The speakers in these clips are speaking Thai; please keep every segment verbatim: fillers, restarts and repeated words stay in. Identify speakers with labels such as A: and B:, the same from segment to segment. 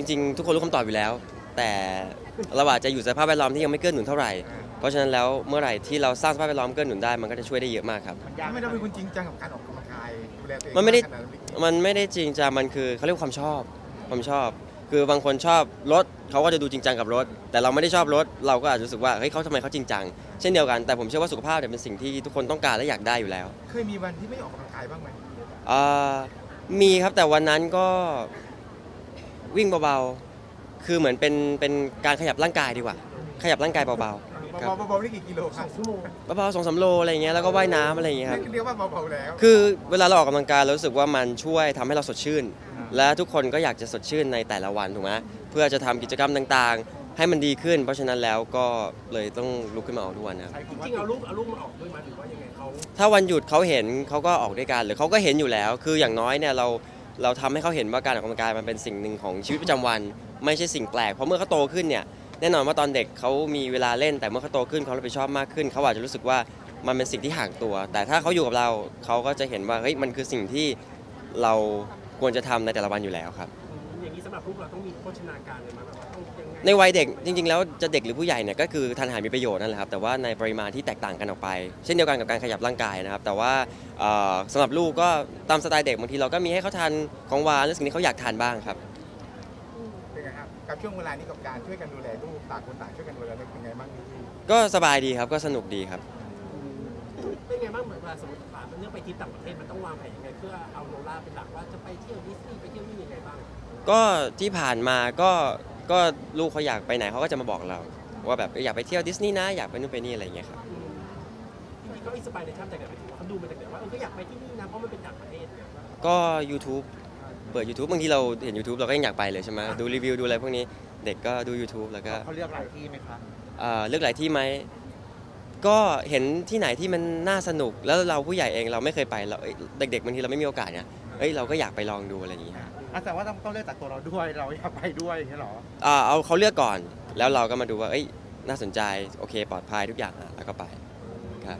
A: ริงๆทุกคนรู้คำตอบอยู่แล้วแต่เราอาจจะอยู่สภาพแวดล้อมที่ยังไม่เกื้อหนุนเท่าไหร่เพราะฉะนั้นแล้วเมื่อไหร่ที่เราสร้างสภาพแวดล้อมเกื้อหนุนได้มันก็จะช่วยได้เยอะมากครับ
B: ไม่ได้เป็นคนจริงจังกับการออกกำลังกายดูแลตัวเอง
A: มันไม่ได้
B: ขนาดนั้น
A: มันไม่ได้จริงจังมันคือเขาเรียกความชอบความชอบ คือบางคนชอบรถเขาก็จะดูจริงจังกับรถแต่เราไม่ได้ชอบรถเราก็อาจจะรู้สึกว่าเฮ้ยเขาทำไมเขาจริงจังเช่นเดียวกันแต่ผมเชื่อว่าสุขภาพเนี่ยเป็นสิ่งที่ทุกคนต้องการและอยากได้อยู่แล้ว
B: เคยมีวันที่ไม่ออกกำลังกายบ้างไหม
A: อ่ามีครับแต่วันนั้นก็วิ่งเบาๆคือเหมือนเป็นเป็นการขยับร่างกายดีกว่าขยับร่างกายเบาๆครับ
B: เบาๆนี่กี่กิโลครับชั่วโมง
A: เบาๆสองสามโลอะไรอย่างเงี้ยแล้วก็ว่ายน้ำอะไรอย่างเงี้ยครับ
B: เรียกว่าเบาๆแล้ว
A: คือเวลาเราออกกำลังกายเรารู้สึกว่ามันช่วยทำให้เราสดชื่น และทุกคนก็อยากจะสดชื่นในแต่ละวันถูกไหมเพื่อจะทำกิจกรรมต่างๆ ให้มันดีขึ้น เพราะฉะนั้นแล้วก็เลยต้องลุกขึ้นมาออกทุกวันนะครับ
C: จริงๆเอาลูกเอาลูกมาออกด้วยมั้ยหรือว่ายังไงเขา
A: ถ้าวันหยุดเขาเห็นเขาก็ออกด้วยกันหรือเขาก็เห็นอยู่แล้ว คืออย่างน้อยเนี่ยเราเราทำให้เขาเห็นว่าการออกกำลังกายมันเป็นสิ่งหนึ่งของชีวิตประจำวัน ไม่ใช่สิ่งแปลกเพราะเมื่อเขาโตขึ้นเนี่ยแน่นอนว่าตอนเด็กเขามีเวลาเล่นแต่เมื่อเขาโตขึ้นเขารับผิดชอบมากขึ้นเขาอาจจะรู้สึกว่ามันเป็นสิ่งที่ห่างตัว แต่ถ้าเขาอยู่กับเราเขาก็จะเห็นว่าเฮ้ยมันคือสิ่งที่เราควรจะทำในแต่ละวันอยู่แล้วครับ
C: อย่างนี้สำหรับลูกเราต้องมีโภชนาการเลยมั้ยแบบว่าต้องยังไง
A: ในวัยเด็กจริงๆแล้วจะเด็กหรือผู้ใหญ่เนี่ยก็คือทานอาหารมีประโยชน์นั่นแหละครับแต่ว่าในปริมาณที่แตกต่างกันออกไป เช่นเดียวกันกับการขยับร่างกายนะครับแต่ว่าเอ่อสำหรับลูกก็ตามสไตล์เด็กบางทีเราก็มีให้เขาทานของหวานหรือสิ่งที่เขาอยากทานบ้างครับ
B: เป็นไงครับกับช่วงเวลานี้กับการช่วยกันดูแลลูกต่างคนต่างช่วยกันดูแลเป็นไงบ้างพี่
A: ก็สบายดีครับก็สนุกดีครับ
C: เป็นไงบ้างเหมือนเวลาสมมติว่ามันเรื่องไปทริปต่างประเทศมันต้องวางแผนยังไงเพื่อเอาโนล่าเป็นหลักว่าจะไปเที่ยวดิสนีย์ไปเที่ยวนี่ยังไงบ้าง
A: ก็ที่ผ่านมาก็ก็ลูกเขาอยากไปไหนเขาก็จะมาบอกเรา ว่าแบบอยากไปเที่ยวดิสนีย์นะอยากไปนู่นไปนี่อะไรอย่างเงี้ยครับ
C: จริงๆก็อินสปายในท่ามจากไหนไปถึงว่าเขาดูมาจากไหนว่าเออก็อยากไปที่นี่นะเพราะมันเป็นต่างประเทศเนี่ย
A: ก็ YouTube เปิด YouTube บางทีเราเห็น YouTube เราก็ยังอยากไปเลยใช่ไหมดูรีวิวดูอะไรพวกนี้เด็กก็ดู YouTube แล้วก็
B: เขาเลือกหลายที่ไหมคะ
A: เอ่อเลือกหลายที่ไหมก็เห็นที่ไหนที่มันน่าสนุกแล้วเราผู้ใหญ่เองเราไม่เคยไปเราเอ้ยเด็กๆบางทีเราไม่มีโอกาสเนี่ยเอ้ยเราก็อยากไปลองดูอะไรอย่างเงี้ย
B: อ่ะแต่ว่าต้องต้องเลือกจากตัวเราด้วยเราอยากไปด้วยใช่หรอ
A: อ่าเอาเขาเลือกก่อนแล้วเราก็มาดูว่าเอ้ยน่าสนใจโอเคปลอดภัยทุกอย่างอ่ะแล้วก็ไปครับ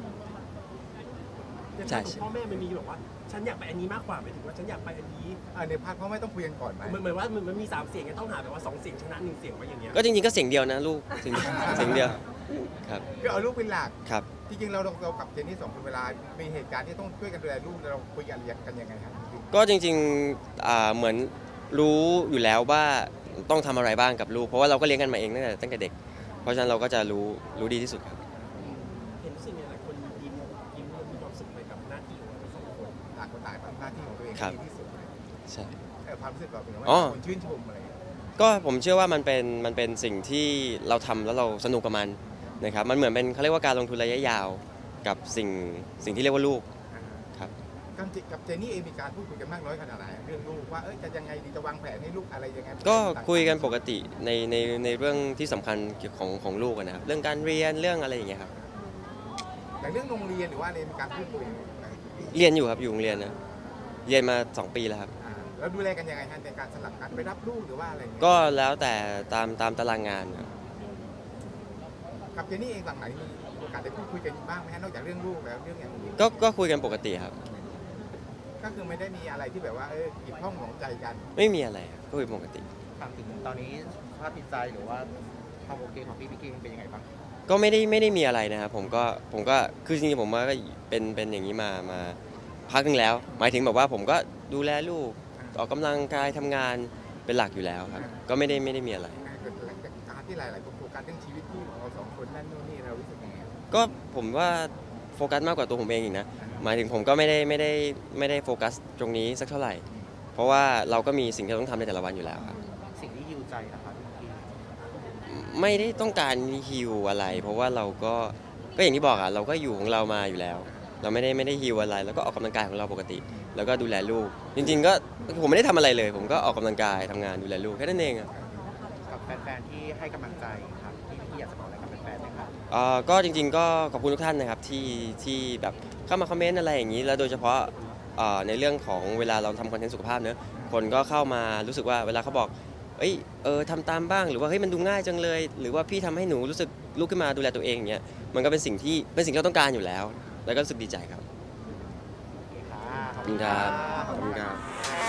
C: อย่าง
A: ใช่
C: ของพ่อแม่มันมีแบบว่าฉันอยากไปอันนี้มากกว่าหมายถึงว่าฉันอยากไปอันนี้
B: อ่าในพาร์ทพ่อไม่ต้องคุยกันก่อนไหม
C: เหมือนเหมือนว่ามันมันมีสามเสียงไงต้องหาแบบว่าสองเสียงชนะหนึ่งเสียงไว้อย่างเงี้ย
A: ก็จริงๆก็เสียงเดียวนะลูกเสียงเสียงเดียวครับ
B: คือเอาลูกเป็นหลัก
A: ครับ
B: จริงๆเราเรากับเจนนี่สองคนเวลา มีเหตุการณ์ที่ต้องช่วยกันดูแลลูกเราคุยกันกันยังไงครับ
A: ก็จริงๆอ่าเหมือนรู้อยู่แล้วว่าต้องทำอะไรบ้างกับลูกเพราะว่าเราก็เลี้ยงกันมาเองตั้งแต่ตั้งแต่เด็ก เพราะฉะนั้นเราก็จะรู้รู้ดีที่สุดครับ
C: เห็นรู้สึกเนี่ยหลายคนยิ้มยิ้มแล้วมีความสุขไปกับหน้าที่ของเราสองคน
B: ต่างคนต่างทำหน้าที่ของตัวเอง
A: ครับ
B: ดีที่สุดเลย
A: ใช่
B: เออความรู้สึกเราเป็นยังไง
A: อ๋อ
B: คนชื่นชมอะไรอย่างเงี้ย
A: ก็ผมเชื่อว่ามันเป็นมันเป็นสิ่งที่เราทำแล้วเราสนุกกับมันนะครับมันเหมือนเป็นเขาเรียกว่าการลงทุนระยะยาวกับสิ่งสิ่งที่เรียกว่าลูกครับ
B: กับเจกับเจนนี่เองมีการพูดคุยกันมากน้อยขนาดไหนเรื่องลูกว่าเอ้ยจะยังไงดีจะวางแผนให้ลูกอะไรยังไง
A: ก็คุยกันปกติในในในเรื่องที่สำคัญเกี่ยวของของลูกอะนะครับเรื่องการเรียนเรื่องอะไรอย่างเงี้ยครับ
B: แต่เรื่องโรงเรียนหรือว่าอะไรมีการพูดคุยไหม
A: เรียนอยู่ครับอยู่โรงเรียนนะเรียนมาสองปีแล้วครับ
B: อ่าแล้วดูแลกันยังไงฮะในการสลับกันไปรับลูกหรือว่าอะไรอย่างเงี้ย
A: ก็แล้วแต่ตามตามตารางงานครับ
B: กับเจนนี่เองหลังไหนมีโอกาสได้พูดคุยกันบ้างไหมฮะนอกจากเรื่องลูกแล้วเรื่องอย่างอื่น
A: ก็ก็คุยกันปกติครับ
B: ก็คือไม่ได้มีอะไรที่แบบว่าเออขีดข้องหมองใจกัน
A: ไม่มีอะไรครับก็คุยปกติ
D: ถามถึงตอนนี้สภาพจิตใจหรือว่าความโอเคของพี่พิกกี้เป็นยังไงบ้าง
A: ก็ไม่ได้ไม่ได้มีอะไรนะครับผมก็ผมก็คือจริงๆผมว่าก็เป็นเป็นอย่างนี้มามาพักหนึงแล้ว หมายถึงแบบว่าผมก็ดูแลลูกออกกำลังกายทำงานเป็นหลักอยู่แล้วครับ ก็ไม่ได้ไม่ได้มีอะไร
B: เกิดหลังจากการที่หลาย ๆ คนโฟกัสเรื่องชีวิตคู่ของเราสองคนนั่นนู่นนี่เรารู้สึกยังไง
A: ก็ผมว่าโฟกัสมากกว่าตัวผมเองอีกนะหมายถึงผมก็ไม่ได้ไม่ได้ไม่ได้โฟกัสตรงนี้สักเท่าไหร่ เพราะว่าเราก็มีสิ่งที่เราต้องทำในแต่ละวันอยู่แล้วครับ
D: สิ่งที่ฮิวใจนะครับพี่พิกกี้
A: ไม่ได้ต้องการฮิวอะไร เพราะว่าเราก็ก็อย่างที่บอกอะเราก็อยู่ของเรามาอยู่แล้ว เราไม่ได้ไม่ได้ฮิวอะไร แล้วก็ออกกำลังกายของเราปกติ แล้วก็ดูแลลูก จริง ๆ ก็ผมไม่ได้ทำอะไรเลย ผมก็ออกกำลังกายทำงานดูแลลูกแค่นั้นเองอะ
D: กับแฟนๆที่ให้กำลังใจครับพี่พิกกี้อยากจะบอกอะไรกับแฟนๆไหมครับ
A: เอ่อก็จริง ๆ ก็ขอบคุณทุกท่านนะครับที่ที่แบบเข้ามาคอมเมนต์อะไรอย่างนี้ แล้วโดยเฉพาะเอ่อในเรื่องของเวลาเราทำคอนเทนต์สุขภาพเนอะคนก็เข้ามารู้สึกว่าเวลาเขาบอกเอ้ยเออทำตามบ้างหรือว่าเฮ้ยมันดูง่ายจังเลย หรือว่าพี่ทำให้หนูรู้สึกลุกขึ้นมาดูแลตัวเองอย่างเงี้ยมันก็เป็นสิ่งที่เป็นสิ่งที่เราต้องการอยู่แล้ว แล้วก็รู้สึกดีใจครับ
D: โอเคค่ะ
A: ขอบคุณครับขอบคุณครับ